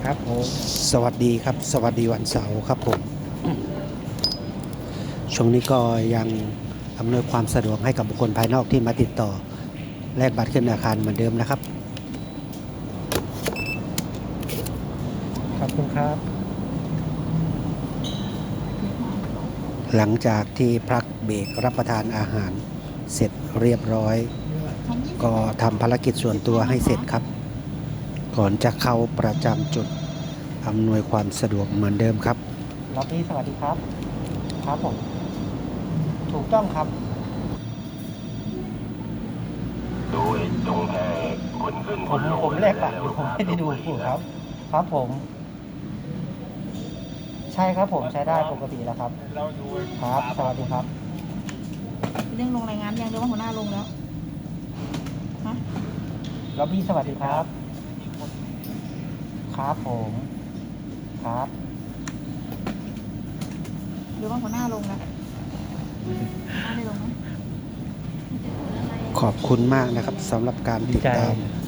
ครับผมสวัสดีครับสวัสดีวันเสาร์ครับผมช่วงนี้ก็ยังอำนวยความสะดวกให้กับบุคคลภายนอกที่มาติดต่อแลกบัตรขึ้นอาคารเหมือนเดิมนะครับขอบคุณครับหลังจากที่พักเบรกรับประทานอาหารเสร็จเรียบร้อยก็ทำภารกิจส่วนตัวให้เสร็จครับก่อนจะเข้าประจำจุดอำนวยความสะดวกเหมือนเดิมครับล็อบบี้สวัสดีครับครับผมถูกต้องครับโดยจงแค่คนขึ้นคนลงผมแลกบัตรอยู่ผมไม่ได้ดูถูกครับครับผมใช่ครับผมใช้ได้ปกติแล้วครับครับสวัสดีครับเรื่องลงรายงานยังหรือว่าหัวหน้าลงแล้วฮะล็อบบี้สวัสดีครับครับผมครับหรือว่าหัวหน้าลงแล้วหัวหน้าได้ลงไหมขอบคุณมากนะครับสำหรับการติดตาม